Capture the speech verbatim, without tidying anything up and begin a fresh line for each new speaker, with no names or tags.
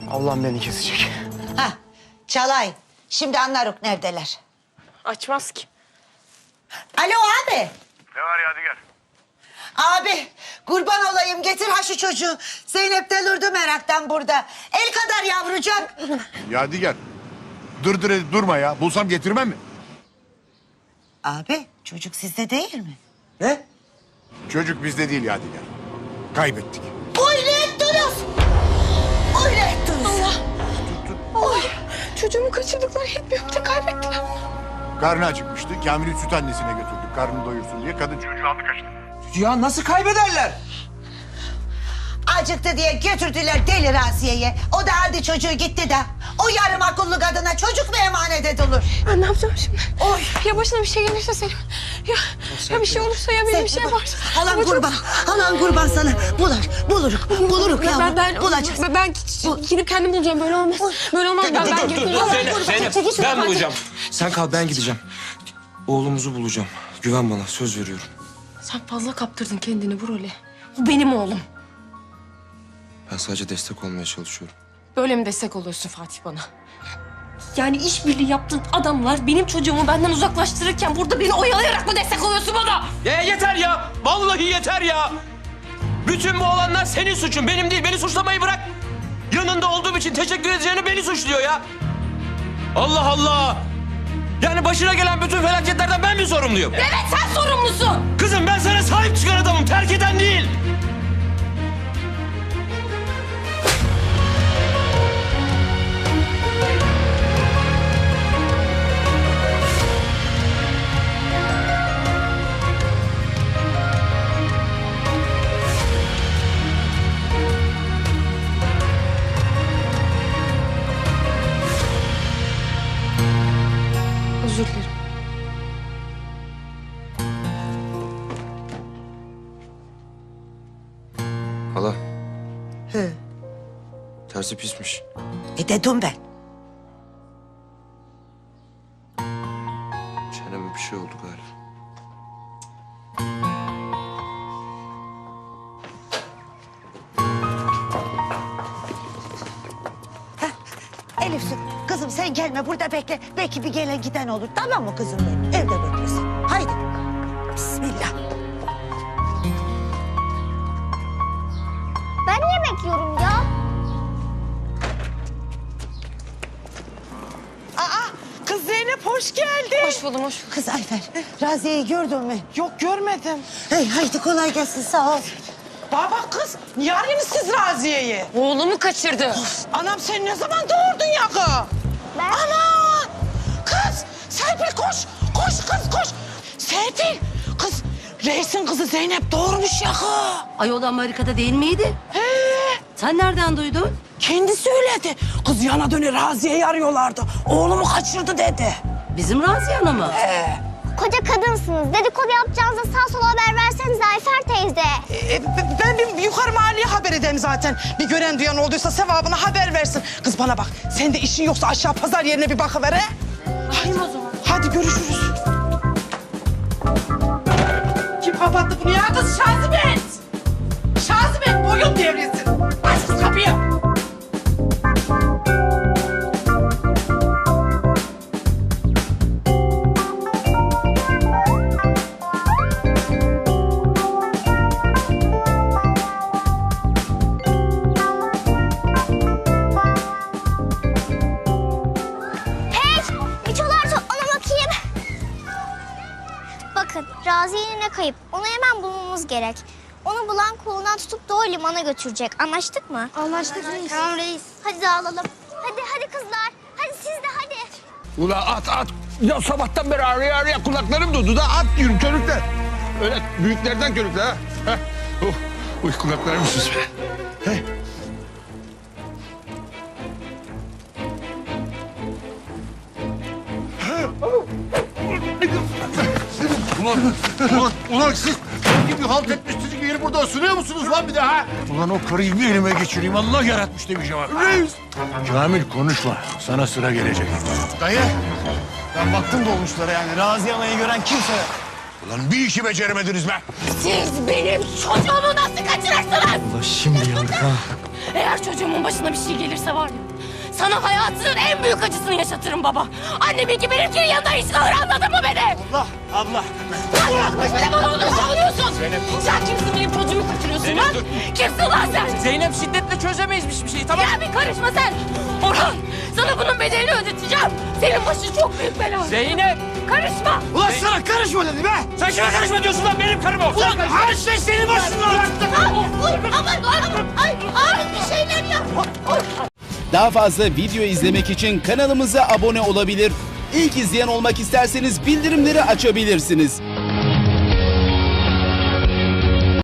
Allah'ım beni kesecek.
Ha, Çalay. Şimdi anlaruk neredeler?
Açmaz ki.
Alo abi.
Ne var Yadigar?
Abi kurban olayım getir ha şu çocuğu. Zeynep delirdi meraktan burada. El kadar yavrucak.
Yadigar. Dır dır edip durma ya. Bulsam getirmem mi?
Abi çocuk sizde değil mi?
Ne?
Çocuk bizde değil Yadigar. Kaybettik.
Öyle ettiniz. Öyle ettiniz.
Allah. Allah. Çocuğumu kaçırdıkları yetmiyor. Bir de kaybettiler.
Karnı acıkmıştı. Kamil'i süt annesine götürdük. Karnını doyursun diye. Kadın çocuğu aldı kaçtı.
Ya nasıl kaybederler?
Acıktı diye götürdüler deli Raziye'ye. O da aldı çocuğu gitti de. O yarım akıllı kadına çocuk mu emanet edilir?
Ben ne yapacağım şimdi?
Oy.
Ya başına bir şey gelirse Selim. Ya, ya bir şey olursa ya benim bir şey yaparsa.
Halan
Ama çok-
kurban. Halan kurban sana. Bulur. Buluruk. Buluruk
Ben,
yavrum.
ben, ben,
Bulacağız.
ben, ben gidip kendim bulacağım. Böyle olmaz. Böyle olmaz. Ben, ben
Dur dur dur Zeynep, Zeynep. Ben bulacağım. Sen kal, ben gideceğim. Oğlumuzu bulacağım. Güven bana, söz veriyorum.
Sen fazla kaptırdın kendini bu role. Bu benim oğlum.
Ben sadece destek olmaya çalışıyorum.
Böyle mi destek oluyorsun Fatih bana? Yani işbirliği yaptığın adamlar benim çocuğumu benden uzaklaştırırken burada beni oyalayarak mı destek oluyorsun bana?
Ya yeter ya! Vallahi yeter ya! Bütün bu olanlar senin suçun, benim değil. Beni suçlamayı bırak. Yanında olduğum için teşekkür edeceğini beni suçluyor ya. Allah Allah! Yani başına gelen bütün felaketlerden ben mi sorumluyum?
Evet sen sorumlusun.
Kızım ben sana sahip çıkan adamım, terk eden değil.
Özür dilerim.
Hala,
Hı.
tersi pismiş.
E dedim ben.
Çeneme bir şey oldu galiba.
Elif su, kızım sen gelme burada bekle. Belki bir gelen giden olur. Tamam mı kızım benim? Evde beklesin. Haydi. Bismillah.
Ben niye bekliyorum ya?
Aa, kız Zeynep hoş geldin.
Hoş buldum, hoş buldum.
Kız Ayfer, Raziye'yi gördün mü?
Yok görmedim.
Hey, haydi kolay gelsin sağ ol.
Baba kız, niye arıyorsunuz siz Raziye'yi?
Oğlumu kaçırdı.
Anam sen ne zaman doğurdun ya kız?
Ben...
Ana! Kız, Serpil koş, koş kız koş. Serpil, kız reisin kızı Zeynep doğurmuş ya kız.
Ayol Amerika'da değil miydi?
He,
Sen nereden duydun?
kendi söyledi. Kız yana döne Raziye'yi arıyorlardı. Oğlumu kaçırdı dedi.
Bizim Raziye Hanım mı?
Koca kadınsınız. Dedikodu yapacağınıza sağ sola haber versenize Ayfer teyze.
E, b- ben bir yukarı mahalleye haber edeyim zaten. Bir gören duyan olduysa sevabına haber versin. Kız bana bak, sen de işin yoksa aşağı pazar yerine bir bakıver he. Hadi o zaman. Hadi görüşürüz. Kim kapattı bunu ya kız? Şazibet! Şazibet boyun devresin. Aç kız kapıyı.
Hey! Miçolar toplana bakayım. Bakın Raziye yine kayıp. Onu hemen bulmamız gerek. Onu bulan kolundan tutup doğru limana götürecek. Anlaştık mı? Anlaştık reis. Tamam reis. Hadi dağılalım. Hadi hadi kızlar. Hadi siz de hadi.
Ula at at. Ya sabahtan beri ağrıya ağrıya kulaklarım durdu da at diyorum körükle. Öyle büyüklerden körükle ha. Heh. Oh, uy kulaklarım sus be. Heh.
Ulan, ulan, ulan siz ne gibi halt etmişsiniz gibi yeri burada ısınıyor musunuz lan bir de ha? Ulan o karıyı bir elime geçireyim. Allah yaratmış demişim ha. Reis.
Kamil konuşma. Sana sıra gelecek.
Dayı, ben baktım dolmuşlara yani. Raziye Ana'yı gören kimse yok.
Ulan bir işi beceremediniz be.
Siz benim çocuğumu nasıl kaçırırsınız?
Ulan şimdi yandık ha.
Eğer çocuğumun başına bir şey gelirse var ya, sana hayatının en büyük acısını yaşatırım baba. Anneminki benimkinin yanında hiç kalır, anladın mı beni?
Abla, abla.
Sen bana onu savunuyorsun. Sen kimsin, benim çocuğumu kaçırıyorsun
Zeynep,
lan?
dur.
Kimsin lan sen?
Zeynep şiddetle çözemeyiz bir şeyi tamam.
Ya bir karışma sen. Orhan, sana bunun bedelini ödeteceğim. Senin başın çok büyük bela.
Zeynep.
Karışma.
Ulan sana karışma dedi be.
Sen kime karışma diyorsun lan benim karım o.
Ulan her şey senin başına bıraktı.
Aman aman ay ay bir şeyler yap.
Daha fazla video izlemek için kanalımıza abone olabilir. İlk izleyen olmak isterseniz bildirimleri açabilirsiniz.